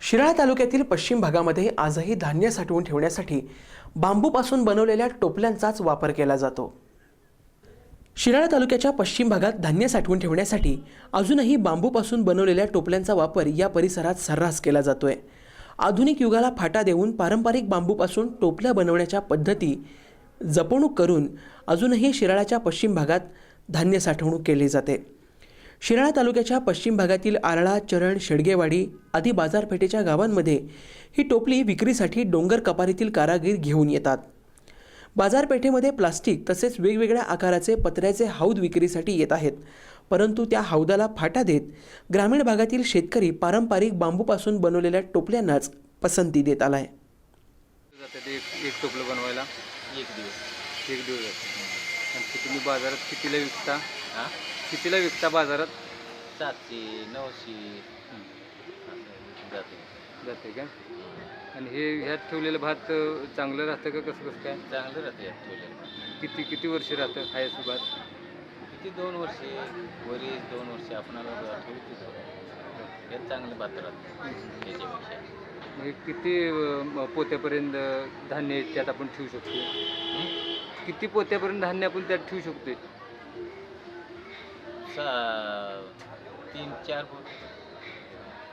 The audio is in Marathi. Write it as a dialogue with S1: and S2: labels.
S1: शिराळा तालुक्यातील पश्चिम भागामध्ये आजही धान्य साठवून ठेवण्यासाठी बांबूपासून बनवलेल्या टोपल्यांचाच वापर केला जातो। शिराळा तालुक्याच्या पश्चिम भागात धान्य साठवून ठेवण्यासाठी अजूनही बांबूपासून बनवलेल्या टोपल्यांचा वापर या परिसरात सर्रास केला जातोय। आधुनिक युगाला फाटा देऊन पारंपरिक बांबूपासून टोपल्या बनवण्याच्या पद्धती जपणूक करून अजूनही शिराळाच्या पश्चिम भागात धान्य साठवणूक केली जाते। शिराळा तालुक्याच्या पश्चिम भागातील आरळा, चरण, शेडगेवाडी आदी बाजारपेठेच्या गावांमध्ये ही टोपली विक्रीसाठी डोंगर कपारीतील कारागीर घेऊन येतात। बाजारपेठेमध्ये प्लास्टिक तसेच वेगवेगळ्या आकाराचे पत्र्याचे हौद विक्रीसाठी येत आहेत, परंतु त्या हौदाला फाटा देत ग्रामीण भागातील शेतकरी पारंपरिक बांबूपासून बनवलेल्या टोपल्यांनाच पसंती देत आलाय।
S2: एक टोपलं बनवायला एक दिवस जातो। आणि तुम्ही बाजारात कितीला विकता बाजारात?
S3: 700-900
S2: जाते का? आणि हे ह्यात ठेवलेलं भात चांगलं राहतं का? कसं काय
S3: चांगलं राहतं यात ठेवलेलं।
S2: किती वर्ष राहतं खायचं भात?
S3: किती 2 वर्ष, वरीस 2 वर्ष आपणाला ठेवतो यात चांगलं भात राहतं त्याच्यापेक्षा।
S2: म्हणजे किती पोत्यापर्यंत धान्य त्यात आपण ठेवू शकतो? किती पोत्यापर्यंत धान्य आपण त्यात ठेवू शकतो?
S3: 3-4 फूट।